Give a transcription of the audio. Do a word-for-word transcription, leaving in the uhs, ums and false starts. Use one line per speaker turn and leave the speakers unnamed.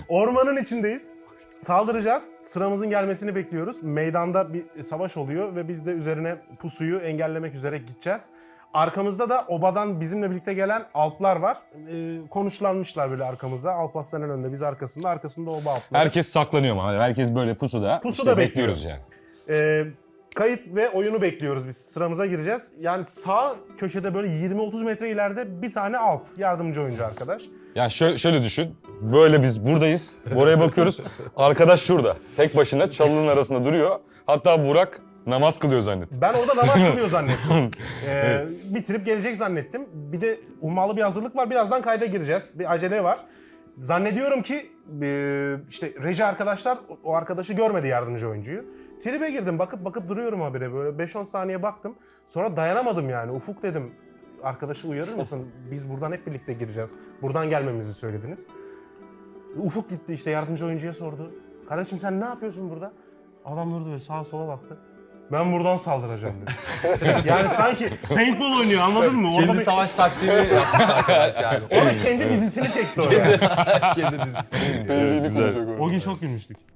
Ormanın içindeyiz. Saldıracağız. Sıramızın gelmesini bekliyoruz. Meydanda bir savaş oluyor ve biz de üzerine pusuyu engellemek üzere gideceğiz. Arkamızda da obadan bizimle birlikte gelen Alplar var. Ee, konuşlanmışlar böyle arkamızda. Alparslan'ın önünde, biz arkasında. Arkasında oba Alplar.
Herkes saklanıyor mu? Hani herkes böyle pusuda.
Pusuda
işte
bekliyoruz.
yani.
Ee, kayıt ve oyunu bekliyoruz biz. Sıramıza gireceğiz. Yani sağ köşede böyle yirmi otuz metre ileride bir tane Alp. Yardımcı oyuncu arkadaş.
Ya şöyle, şöyle düşün. Böyle biz buradayız. Oraya bakıyoruz. Arkadaş şurada. Tek başına çalının arasında duruyor. Hatta Burak namaz kılıyor zannettim.
Ben orada namaz kılıyor zannettim. Ee, bitirip gelecek zannettim. Bir de ummalı bir hazırlık var. Birazdan kayda gireceğiz. Bir acele var. Zannediyorum ki e, işte reji arkadaşlar o arkadaşı görmedi, yardımcı oyuncuyu. Tribe girdim, bakıp bakıp duruyorum habire, böyle beş on saniye baktım. Sonra dayanamadım yani. Ufuk dedim, arkadaşı uyarır mısın? Biz buradan hep birlikte gireceğiz. Buradan gelmemizi söylediniz. Ufuk gitti işte, yardımcı oyuncuya sordu. Kardeşim sen ne yapıyorsun burada? Adam durdu ve sağa sola baktı. Ben buradan saldıracağım dedi. Yani sanki paintball oynuyor, anladın mı? Orada
Kendi
bir,
savaş taktiğini yapmış arkadaş yani.
orada kendi dizisini çekti oraya.
Kendi dizisi.
Evet, güzel.
O gün çok gülmüştük.